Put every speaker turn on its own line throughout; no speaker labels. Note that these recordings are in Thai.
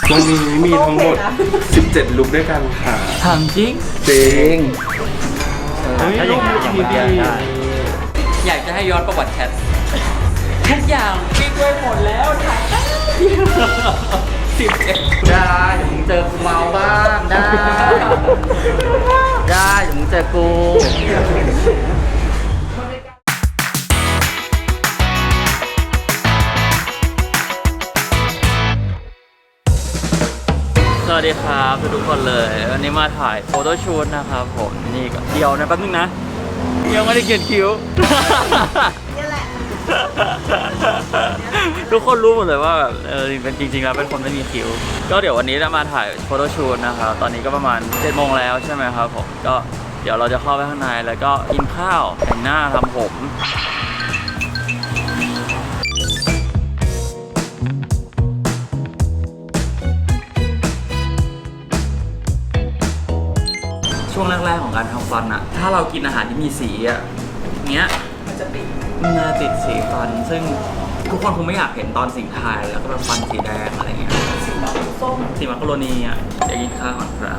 วันนี้มีทั้งหมด17ลุคด้วยกันค่ะ
ถามจริง
จริง
ถ้าอย่างนี้ได้อยากจะให้ย้อนประวัติแคททุกอย่างปิ๊กไว้หมดแล้วถ่าย11
ได้เดี๋ยวมึงเจอกูเมาบ้างได้ได้เดี๋ยวมึงเจอกู
สวัสดีครับทุกคนเลยวันนี้มาถ่ายโฟโต้ชูตนะครับผมนี่ก็เดียวนะแป๊บนึงนะยังไม่ได้เขียนคิ้วนี่แหละทุกคนรู้หมดเลยว่าแบบเป็นจริงๆแล้วเป็นคนไม่มีคิ้วก็เดี๋ยววันนี้จะมาถ่ายโฟโต้ชูตนะครับตอนนี้ก็ประมาณ7 โมงแล้วใช่ไหมครับผมก็เดี๋ยวเราจะเข้าไปข้างในแล้วก็กินข้าวแต่งหน้าทำผมช่วงแรกๆของการทำฟันอะถ้าเรากินอาหารที่มีสีอะเงี้ยมันจะติดสีฟันซึ่งทุกคนคงไม่อยากเห็นตอนสิ่งทายแล้วก็แบบฟันสีแดงอะไรเงี้ยสีส้มสีมักกะโรนีอะเดี๋ยวกินข้าวก่อนครับ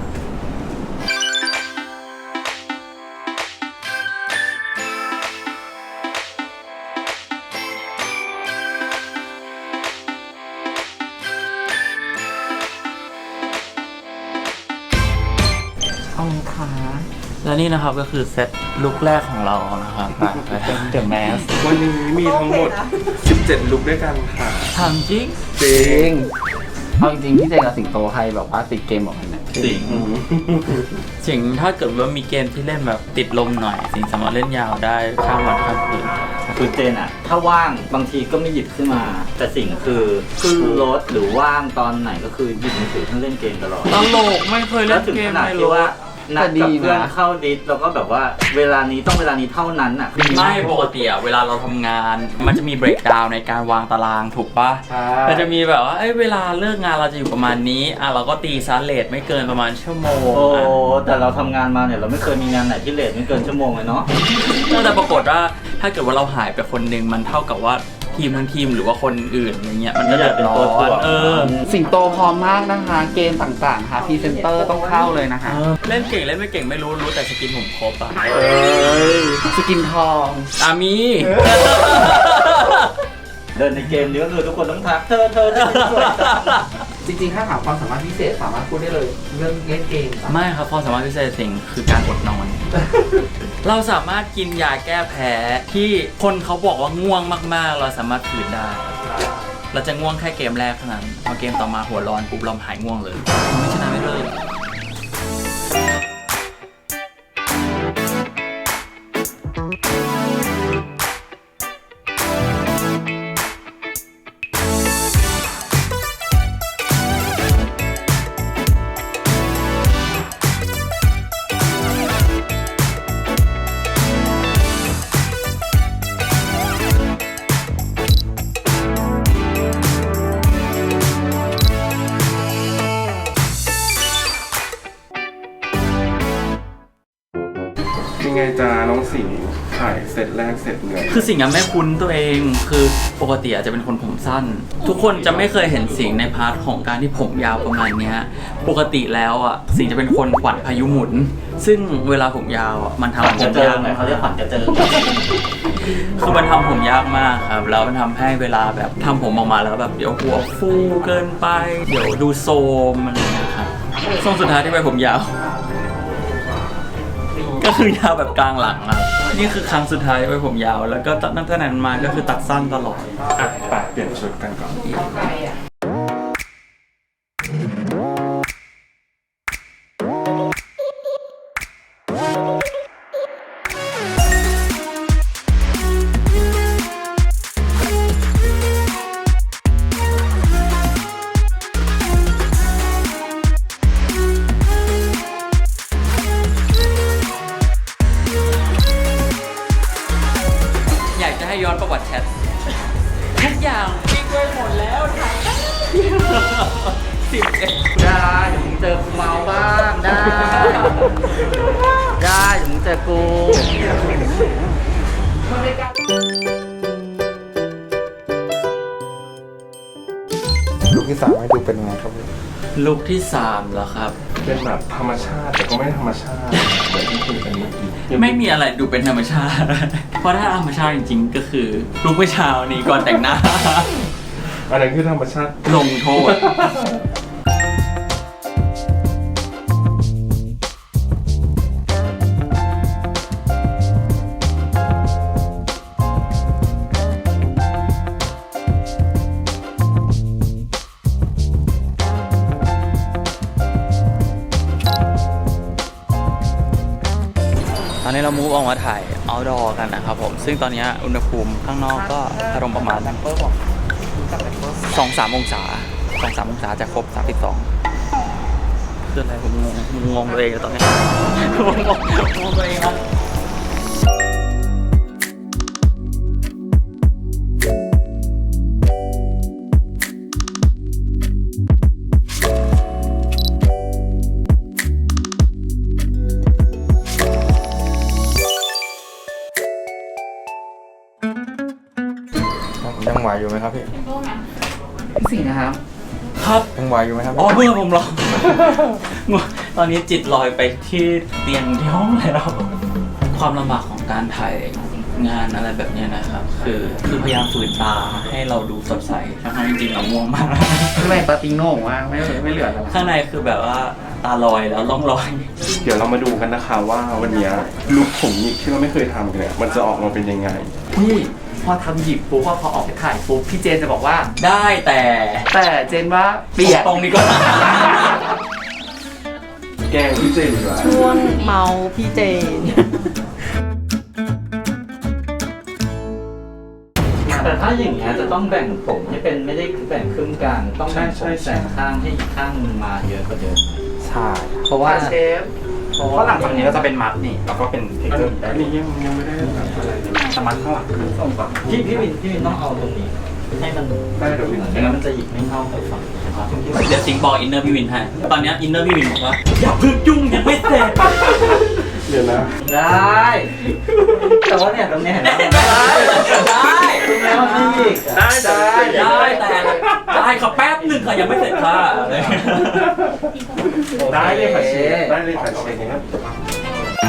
เอาค่ะและนี่นะครับก็คือเซตลุคแรกของเรานะครับไปเป็นเดอะแมส
วันนี้มีทั้งหมด17ลุคด้วยกันค่ะ
ถามจริง
จริง
เอาจริงๆพี่เจกับสิงโตใครแบบว่าติดเกมบอกกันนะ
สิงถ้าเกิดว่ามีเกมที่เล่นแบบติดลมหน่อยสิงสามารถเล่นยาวได้ข้ามวันข้ามคืน
คือเจนอะถ้าว่างบางทีก็ไม่หยิบขึ้นมาแต่สิ่งคือขึ้นรถหรือว่างตอนไหนก็คือหยิบมือถือทั้งเล่นเกมตลอด
ตลกไม่เคยเล่นเกมในรถ
นัดกับเพื่อนเข้าดิสแล้วก็แบบว่าเวลานี้ต้องเวลานี้เท่านั้นอ่ะ
ไม่ปกติเวลาเราทำงานมันจะมีเบรกดาวน์ในการวางตารางถูกปะมันจะมีแบบว่าเวลาเลิกงานเราจะอยู่ประมาณนี้เราก็ตีซาเลทไม่เกินประมาณชั่วโมง
โอ้แต่เราทำงานมาเนี่ยเราไม่เคยมีงานไหนที่เลทไม่เกินชั่วโมงเลยเนาะ
แต่ปรากฏว่าถ้าเกิดว่าเราหายไปคนหนึ่งมันเท่ากับว่าทีมทั้งทีมหรือว่าคนอื่นอย่างเงี้ยมันก็จะเป็นตัวถ่วง
สิงโตพร้อมมากนะคะเกมต่างๆค่ะพรีเซนเตอร์ต้องเข้าเลยนะคะ
เล่นเก่งเล่นไม่เก่งไม่รู้แต่สกินผมครบอ่ะ
สกินทอง
มี
เดินในเกมนี้ก็คือทุกคนต้องทักเธอสวยจริงๆถ้าถามความสามารถพิเศษสามารถพูดได้เลยเรื่องเล่นเกม
ไม่ครับความสามารถพิเศษสิ่งคือการอดนอน เราสามารถกินยาแก้แพ้ที่คนเขาบอกว่าง่วงมากๆเราสามารถฝืนได้เราจะง่วงแค่เกมแรกเท่านั้นพอเกมต่อมาหัวร้อนปุ๊บเราหายง่วงเลยไม่ชนะไม่เลิก
ยังไงจ้าน้องสิงห์ถ่ายเสร็จแรกเสร็จเลย
คือสิ่งนั้นไม่คุ้นตัวเองคือปกติอาจจะเป็นคนผมสั้นทุกคนจะไม่เคยเห็นสิ่งในพาร์ทของการที่ผมยาวประมาณนี้ปกติแล้วสิ่งจะเป็นคนขวัญพายุหมุนซึ่งเวลาผมยาวมันทำผมยาก
เขาเรียกขวัญกระเจิง
คือมันทำผมยากมากครับแล้วมันทำให้เวลาแบบทำผมออกมาแล้วแบบเดี๋ยวหัวฟูเกินไปเดี๋ยวดูโซมอะไรอย่างเงี้ยครับช่วงสุดท้ายที่ไปผมยาวก็คือยาวแบบกลางหลังครับนี่คือครั้งสุดท้ายไว้ผมยาวแล้วก็ตั้งแต่นั้นมาก็คือตัดสั้นตลอด
ไปเปลี่ยนชุดกันก่อน
ให้ย้อนประวัติแคททุกอย่างปิ๊กไว้หมดแล้วถ่าย11
ได้เดี๋ยวมึงเจอกูเมาบ้างได้ได้เดี๋ยวมึงเจอกู
ลูกที่3ให้ดูเป็นไงครับ
ลุคที่3แล้วครับ
เป็นแบบธรรมชาติแต่ก็ไม่ธรรมชาติเหมือนที่คุยกันเมื่อกี้
ไม่มีอะไรดูเป็นธรรมชาติ เพราะถ้าธรรมชาติจริงๆ ก็คือลุคเมื่อเช้านี้ก่อนแต่งหน้า
อันนั้นคือธรรมชาติ
ลงโทษ ตอนนี้เรามูฟออกมาถ่าย outdoor กันนะครับผม ซึ่งตอนนี้อุณหภูมิข้างนอกก็อารมณ์ประมาณ 2-3 องศา 2-3 องศาจะครบ 32คืออะไรผมงงตัวเองตอนนี้ งงตัวเองครับ
ยังไหวอยู่ไหมครับพี่
สิ่งนะครับ
ครับ
ยังไหวอยู่ไหมครับ
อ๋อเพื่อนผมเหรอ ตอนนี้จิตลอยไปที่เตียงที่ห้องแล้ว ความลำบากของการถ่ายงานอะไรแบบนี้นะครับ คือพยายามฝืนตาให้เราดูสดใสทั้งๆจริงๆเราง่วงมาก
ไม่ปาติโน่ว่าไม่เหลือแล้ว
ข้างในคือแบบว่าตาลอยแล้วล่องลอย
เดี๋ยวเรามาดูกันนะคะว่าวันนี้ลุคผมหยิกที่เราไม่เคยทำกันเนี่ยมันจะออกมาเป็นยังไง
พี่พอทำหยิบปุ๊บพอออกไปถ่ายปุ๊บพี่เจนจะบอกว่า
ได้แต่
เจนว่าเปียก
ตรงนี้ก็
แกล้งพี่เจนดีกว่า
ช่วงเมาพี่เจน
แต่ถ้าอย่างเงี้ยจะต้องแบ่งผมให้เป็นไม่ได้แบ่งครึ่งกลางต้องแบ่งผมแบ่งข้างให้อีกข้างนึงมาเยอะกว่าเดิม
ใช่
เพราะว่าเชฟ
เพราะหลังจากนี้ก็จะเป็นมัดนี่แล้วก็เป็นเทคเจอร์
อันนี้ยังไม่ได้แบบอะไรเลย
สมัดข้างหลังคือ
ส่งก่อนพี่วินต้องเอาตรงนี้ให้มัน
ได้เดี๋ยววิน
ไม่งั้นมันจะหยิบไม่เข้าไปฝั่งนะครับ
เดี๋ยวสิงบอกอินเนอร์พี่วินให้ตอนนี้อินเนอร์พี่วินบอกว่าอย่าเพึ่งยุ่งยังไม่เสร็จ
เดี๋ยวนะ
ได้ แต่ว่าเนี่ยตรงเนี้ยเห็นไหม
ได้
ตรงนี้มันไม่หยิก
ได้
ได้ค่ะแป๊บหนึ่งค่ะยังไม่เสร็จค่ะ
ได้เลยค่ะเชฟได้เลยค่ะเชฟ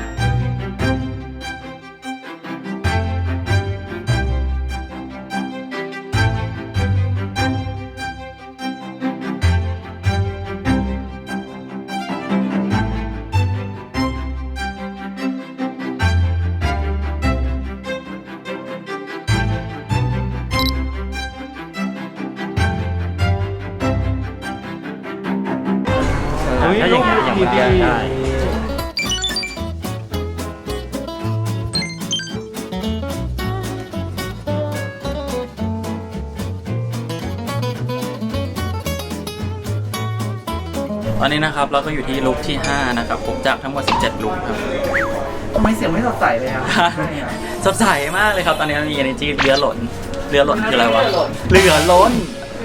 ถ้าอย่างเงี้ยอย่างเมื่อกี้ได้
ตอนนี้นะครับเราก็อยู่ที่ลุคที่ 5 นะครับผมจากทั้งหมด 17 ลุคครับ
ทำไมเสียงไม่สดใสเลยครับ
สดใสมากเลยครับตอนนี้มี energy เรือหล่นคืออะไรวะเรือล้น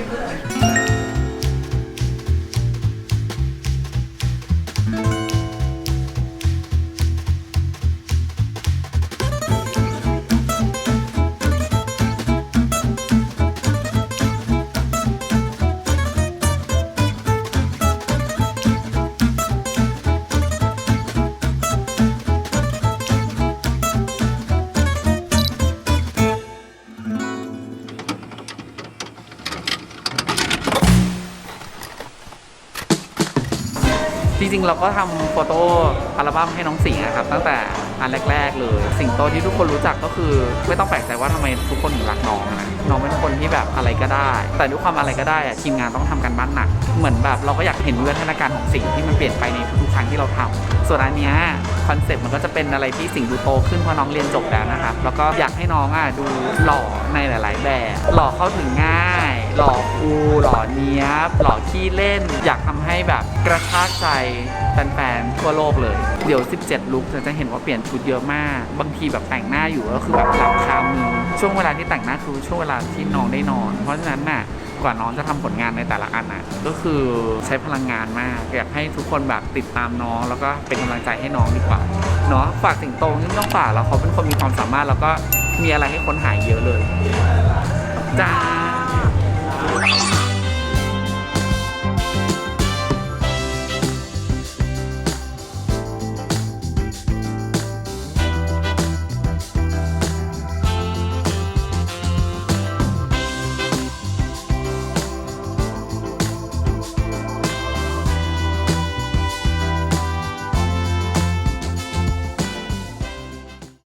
จริงๆเราก็ทำโฟโต้อัลบั้มให้น้องสิงห์นะครับตั้งแต่อันแรกๆเลยสิงโตที่ทุกคนรู้จักก็คือไม่ต้องแปลกใจว่าทำไมทุกคนถึงรักน้องนะน้องเป็นคนที่แบบอะไรก็ได้ แต่ด้วยความอะไรก็ได้อะทีมงานต้องทำกันบ้านหนักเหมือนแบบเราก็อยากเห็นวิวัฒนาการของสิงห์ที่มันเปลี่ยนไปในทุกๆครั้งที่เราทำส่วนอันเนี้ยคอนเซ็ปต์มันก็จะเป็นอะไรที่สิงห์ดูโตขึ้นเพราะน้องเรียนจบแล้วนะครับแล้วก็อยากให้น้องดูหล่อในหลาย ๆ แบบหล่อเข้าถึงง่าย หล่อคูลหล่อเนี้ยบหล่อขี้เล่น อยากทำให้แบบกระชากใจแฟนๆทั่วโลกเลยเดี๋ยว17ลุคจะเห็นว่าเปลี่ยนชุดเยอะมากบางทีแบบแต่งหน้าอยู่ก็คือแบบหลับคามือช่วงเวลาที่แต่งหน้าคือช่วงเวลาที่น้องได้นอน เพราะฉะนั้นน่ะกว่าน้องจะทำผลงานในแต่ละอันน่ะก็คือใช้พลังงานมากอยากให้ทุกคนแบบติดตามน้องแล้วก็เป็นกำลังใจให้น้องดีกว่าเนาะฝากสิงโตนี่ต้องฝากแล้วเขาเป็นคนมีความสามารถแล้วก็มีอะไรให้ค้นหาเยอะเลยจ้า